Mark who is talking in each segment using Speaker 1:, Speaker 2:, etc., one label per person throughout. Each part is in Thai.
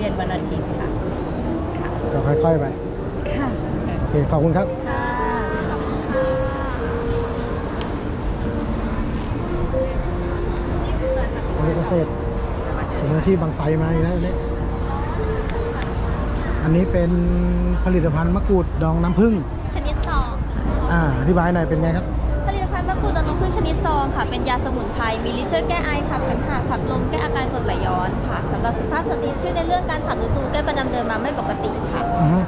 Speaker 1: ย็นวันอาทิตย์ค่ะ
Speaker 2: ก็ค่อยๆไป
Speaker 1: ค่ะ
Speaker 2: โอเคขอบคุณครับ
Speaker 1: ค่ะ
Speaker 2: วันนี้เกษตรสมอาชีพบางไทรมาอีกแล้วอันนี้เป็นผลิตภัณฑ์มะกรูดดองน้ำผึ้ง
Speaker 3: ชนิดซอง
Speaker 2: อธิบายหน่อยเป็นไงครับ
Speaker 3: ผลิตภัณฑ์มะกรูดดองน้ำผึ้งชนิดซองค่ะเป็นยาสมุนไพรมีฤทธิ์ช่วยแก้ไอขับเสมหะขับลมแก้อาการกรดไหลย้อนค่ะสำหรับสุขภาพสตรีช่วยในเรื่องการขับฤดูแก้ประจำเดือนมาไม่ปกติค่ะ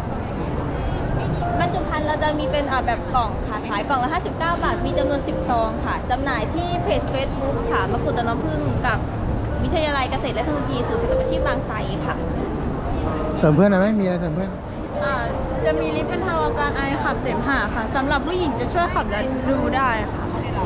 Speaker 3: บรรจุภัณฑ์เราจะมีเป็นแบบกล่องค่ะขายกล่องละ59 บาทมีจำนวน10 ซองค่ะจำหน่ายที่เพจ Facebook ค่ะมะกรูดดองน้ำผึ้งกับวิทยาลัยเกษตรและเทคโนโลยีศูนย์ศิลปาชีพบางไทรค่ะ
Speaker 2: เสริมเพื่อนไหมมีอะไรเสริมเพื่อน
Speaker 1: จะมีฤทธิ์บรรเทาอาการไอขับเสมหะค่ะสำหรับผู้หญิงจะช่วยขับและดูได้ค่ะ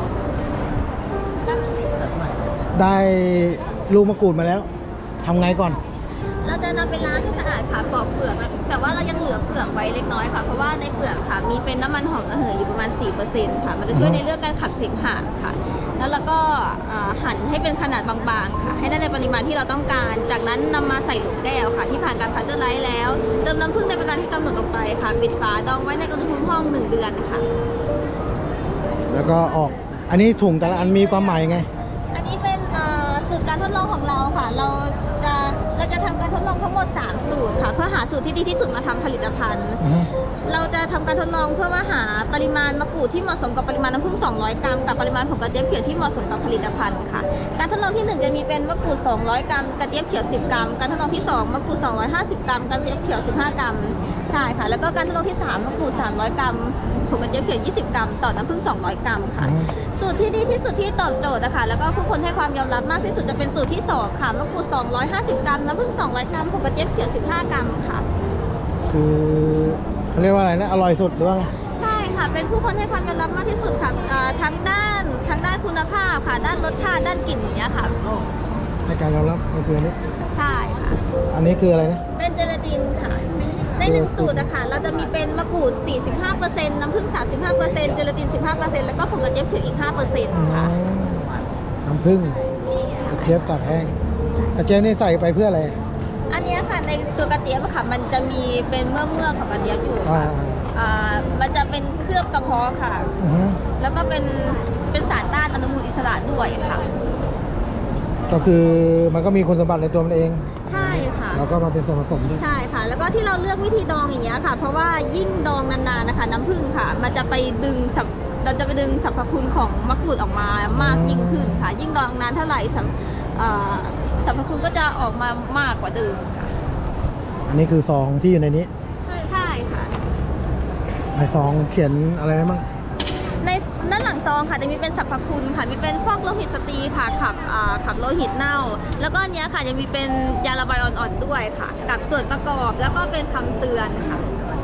Speaker 2: ได้ลูกมะกรูดมาแล้วทำไงก่อน
Speaker 3: เราจะนำไปล้างให้สะอาดค่ะปอกเปลือกแต่ว่าเรายังเหลือเปลือกไว้เล็กน้อยค่ะเพราะว่าในเปลือกค่ะมีเป็นน้ำมันหอมระเหยอยู่ประมาณ 4% ค่ะมันจะช่วยในเรื่องการขับเสมหะค่ะแล้วเราก็หั่นให้เป็นขนาดบางๆค่ะให้ได้ในปริมาณที่เราต้องการจากนั้นนำมาใส่หลุมแก้วค่ะที่ผ่านการพัชเจอร์ไลท์แล้วเติมน้ำผึ้งในปริมาณที่กำหนดลงไปค่ะปิดฝาดองไว้ในอุณหภูมิห้อง1 เดือนค่ะ
Speaker 2: แล้วก็ออกอันนี้ถุงแต่ละอันมีความหมายไง
Speaker 3: อันนี้เป็นสูตรการทดลองของเราค่ะเราจะทำการทดลองทั้งหมด3 สูตรค่ะเพื่อหาสูตรที่ดีที่สุดมาทำผลิตภัณฑ์เราจะทำการทดลองเพื่อว่าหาปริมาณมะกรูดที่เหมาะสมกับปริมาณน้ำผึ้ง200 กรัมกับปริมาณผงกระเจี๊ยบเขียวที่เหมาะสมกับผลิตภัณฑ์ค่ะการทดลองที่1จะมีเป็นมะกรูด200 กรัมกระเจี๊ยบเขียว10 กรัมการทดลองที่2มะกรูด250 กรัมกระเจี๊ยบเขียว15 กรัมใช่ค่ะแล้วก็การทดลองที่3มะกรูด300 กรัมผงกระเจี๊ยบเขียว20 กรัมต่อน้ำผึ้ง200 กรัมค่ะสูตรที่ดีที่สุดที่ตอบโจทย์นะคะแล้วก็ผู้คนให้ความยอมรับมากที่สุดจะเป็นสูตรที่2ค่ะมะกรูด250 กรัมน้ำผึ้ง200 กรัมผงกระเจี๊ยบเขียว15 กรัมค่ะ
Speaker 2: คือเขาเรียกว่าอะไรนะอร่อยสุดหรือว่าไง
Speaker 3: ใช่ค่ะเป็นผู้คนให้ความยอมรับมากที่สุดค่ะทั้งด้านคุณภาพค่ะด้านรสชาติด้านกลิ่นอย่างเงี้ยค่ะ
Speaker 2: ให้การยอมรับก็คืออันนี้
Speaker 3: ใช่ค่ะ
Speaker 2: อันนี้คืออะไรนะ
Speaker 3: เป็นเจลาตินค่ะใน1 สูตรนะคะเราจะมีเป็นมะกรูด 45% น้ำผึ้ง 35%เจลาติน 15% แล้วก็ผงกระเจี๊ยบเขียวอีก 5% ค่ะ
Speaker 2: น้ำผึ้งกระเจี๊ยบตากแห้งกระเจี๊ยบนี่ใส่ไปเพื่ออะไร
Speaker 3: อันนี้ค่ะในตัวกระเจี๊ยบค่ะมันจะมีเป็นเมือกของกระเจี๊ยบอยู่ค่ะมันจะเป็นเคลือบกระเพาะค่ะแล้วก็เป็นสารต้านอนุมูลอิสระด้วยค่ะ
Speaker 2: ก็คือมันก็มีคุณสมบัติในตัวมันเอง
Speaker 3: ใช่ค่ะ
Speaker 2: แล้วก็มาเป็นส่วนผสมด้วย
Speaker 3: ใช่ค่ะแล้วก็ที่เราเลือกวิธีดองอย่างเงี้ยค่ะเพราะว่ายิ่งดองนานๆนะคะน้ำผึ้งค่ะมันจะไปดึงเราจะไปดึงสรรพคุณของมะกรูดออกมามากยิ่งขึ้นค่ะยิ่งดองนานเท่าไหร่สรรพคุณก็จะออกมามากกว่าเดิมค่ะ
Speaker 2: อันนี้คือซองที่อยู่ในนี้
Speaker 3: ใช่ค่ะ
Speaker 2: ในซองเขียนอะไรไหมบ้าง
Speaker 3: ในด้านหลังซองค่ะจะมีเป็นสรรพคุณค่ะมีเป็นฟอกโลหิตสตรีค่ะขับโลหิตเน่าแล้วก็อันนี้ค่ะยังมีเป็นยาระบายอ่อนๆด้วยค่ะกับส่วนประกอบแล้วก็เป็นคำเตือนค่ะ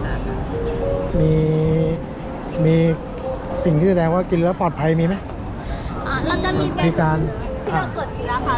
Speaker 2: มีสิ่งที่แสดงว่ากินแล้วปลอดภัยมีไหม
Speaker 3: เราจะมีเป็นที่เราตรวจเชื้อค่ะ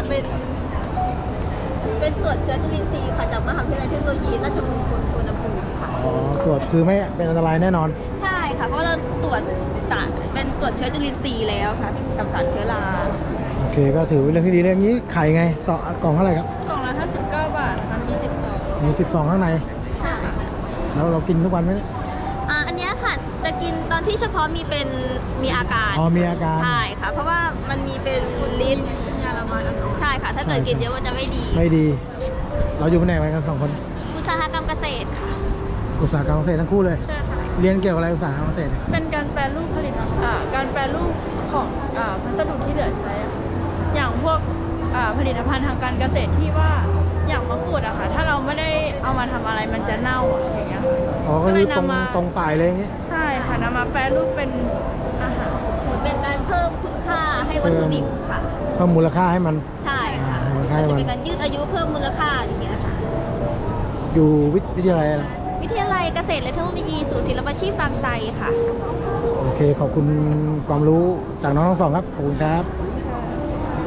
Speaker 3: เป็นตรวจเชื้อจุลินทรีย์ค่ะจากมหาวิทยาลัยเทคโนโลยีราชมงคลสุวรรณภูมิค่ะ
Speaker 2: ตรวจคือไม่เป็นอันตรายแน่นอน
Speaker 3: ใช่ค่ะเพราะเราตรวจเป็นตรวจเชื้อจุลินทรีย์แล้วค่ะกับสารเชื้อรา
Speaker 2: โอเคก็ถือเป็นเรื่องที่ดีเรื่องนี้ขายไงกล่องเท่าไหร่ครับ
Speaker 1: กล่องละ59 บาทค่ะมี10 ซอง
Speaker 2: มี10 ซองข้างใน
Speaker 3: ใช่
Speaker 2: แล้วเรากินทุกวันไหม
Speaker 3: อันนี้ค่ะจะกินตอนที่เฉพาะมีอาการ
Speaker 2: มีอาการ
Speaker 3: ใช่ค่ะเพราะว่ามันมีเป็นลิ้นยาละบายใช่ค่ะถ้าเกิดกินเยอะมันจะไม่ดี
Speaker 2: เราอยู่แผนกอะไรกัน2 คน
Speaker 3: อุตสาหกรรมเกษตรค่ะ
Speaker 2: อุตสาหกรรมเกษตรทั้งคู่เลย
Speaker 1: ใช่ค่ะ
Speaker 2: เรียนเกี่ยวกับอะไรอุตสาหกรรมเกษตร
Speaker 1: เป็นการแปรรูปผลิตการแปรรูปของพัสดุที่เหลือใช้อย่างพวกผลิตภัณฑ์ทางการเกษตรที่ว่าอย่างมะกรูดอะค่ะถ้าเราไม่ได้เอามาทำอะไรมันจะเน่าอย่างเงี้ย
Speaker 2: ก็เลยนำมาตรงสายเลยอย่างเงี้ย
Speaker 1: ใช่ค่ะนำมาแปรรูปเป็นอาหาร
Speaker 3: เหมือนเป็นการเพิ่มคุณค่าให้วัตถุดิบค่ะ
Speaker 2: เพิ่มมูลค่าให้มัน
Speaker 3: ใช่ค่ะจะเป็นการยืดอายุเพิ่มมูลค่าอย่างเงี้ยค่ะ
Speaker 2: อยู่วิทยาลัยอะไร
Speaker 3: วิทยาลัยเกษตรและเทคโนโลยีศูนย์ศิลปาชีพบางไทรค่ะ
Speaker 2: โอเคขอบคุณความรู้จากน้องทั้งสองครับขอบคุณครับ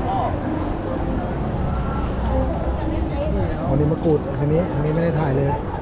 Speaker 2: วันนี้มะกรูดอันนี้ไม่ได้ถ่ายเลย